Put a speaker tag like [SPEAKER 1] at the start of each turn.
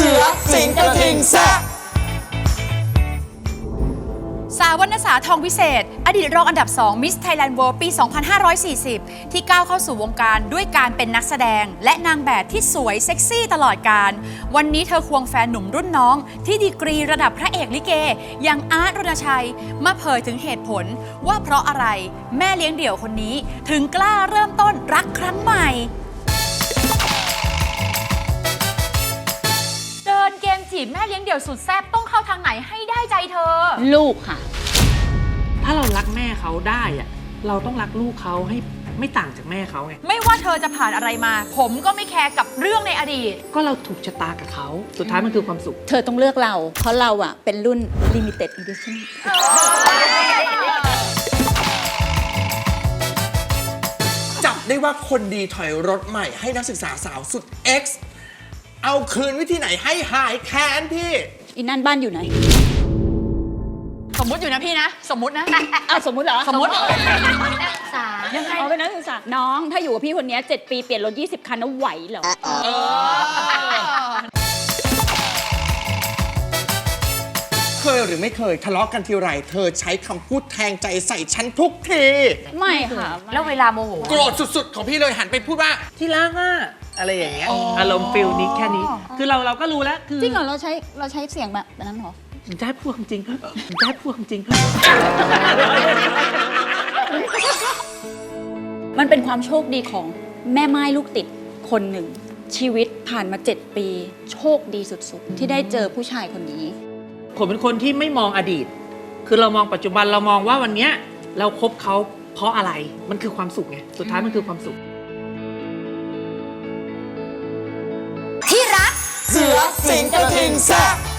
[SPEAKER 1] สือสิงกระทิงแซะ
[SPEAKER 2] สาววรรณสาทองวิเศษอดีตรองอันดับ2 Miss Thailand World ปี 2540 ที่ก้าวเข้าสู่วงการด้วยการเป็นนักแสดงและนางแบบที่สวยเซ็กซี่ตลอดกาลวันนี้เธอควงแฟนหนุ่มรุ่นน้องที่ดีกรีระดับพระเอกลิเกอย่างอาร์ตรณชัยมาเผยถึงเหตุผลว่าเพราะอะไรแม่เลี้ยงเดี่ยวคนนี้ถึงกล้าเริ่มต้นรักครั้งใหม่เดินเกมจีบแม่เลี้ยงเดี่ยวสุดแซ่บต้องเข้าทางไหนให้ได้ใจเธอ
[SPEAKER 3] ลูกค่ะ
[SPEAKER 4] ถ้าเรารักแม่เขาได้อะเราต้องรักลูกเขาให้ไม่ต่างจากแม่เขาไง
[SPEAKER 2] ไม่ว่าเธอจะผ่านอะไรมาผมก็ไม่แคร์กับเรื่องในอดีต
[SPEAKER 4] ก็เราถูกชะตากับเขาสุดท้ายมันคือความสุข
[SPEAKER 3] เธอต้องเลือกเราเพราะเราอะเป็นรุ่น limited edition
[SPEAKER 1] จับได้ว่าคนดีถอยรถใหม่ให้นักศึกษาสาวสุด X เอาคืนวิธีไหนให้หายแค้นพี่
[SPEAKER 3] อีนั่นบ้านอยู่ไหน
[SPEAKER 2] สมมุติอยู่นะพี่นะสมมุตินะ
[SPEAKER 3] อ้าวสมมุติเหรอ
[SPEAKER 2] สมมุติ
[SPEAKER 3] นักศึกษายังไงเป็นนักศึกษาน้องถ้าอยู่กับพี่คนนี้7 ปีเปลี่ยนรถ20 คันแล้วไหวเหรอ
[SPEAKER 1] เคยหรือไม่เคยทะเลาะกันทีไรเธอใช้คำพูดแทงใจใส่ฉันทุกที
[SPEAKER 3] ไม่ค่ะ
[SPEAKER 2] แล้วเวลาโมโห
[SPEAKER 1] โกรธสุดๆของพี่เลยหันไปพูดว่า
[SPEAKER 4] ที่รักอะอะไรอย่างเงี้ยอารมณ์ฟิลนี้แค่นี้คือเราก็รู้แล้วคือ
[SPEAKER 3] จริงเหรอเราใช้เสียงแบบนั้นเหรอ
[SPEAKER 4] ผมจะให้พูดความจริงผมจะให้พูดความจริง
[SPEAKER 3] มันเป็นความโชคดีของแม่ไม้ลูกติดคนหนึ่งชีวิตผ่านมา7 ปีโชคดีสุดๆที่ได้เจอผู้ชายคนนี้
[SPEAKER 4] ผมเป็นคนที่ไม่มองอดีตคือเรามองปัจจุบันเรามองว่าวันนี้เราคบเขาเพราะอะไรมันคือความสุขไงสุดท้ายมันคือความสุข
[SPEAKER 2] ที่รัก
[SPEAKER 1] เสือสิงกระทิงแซะ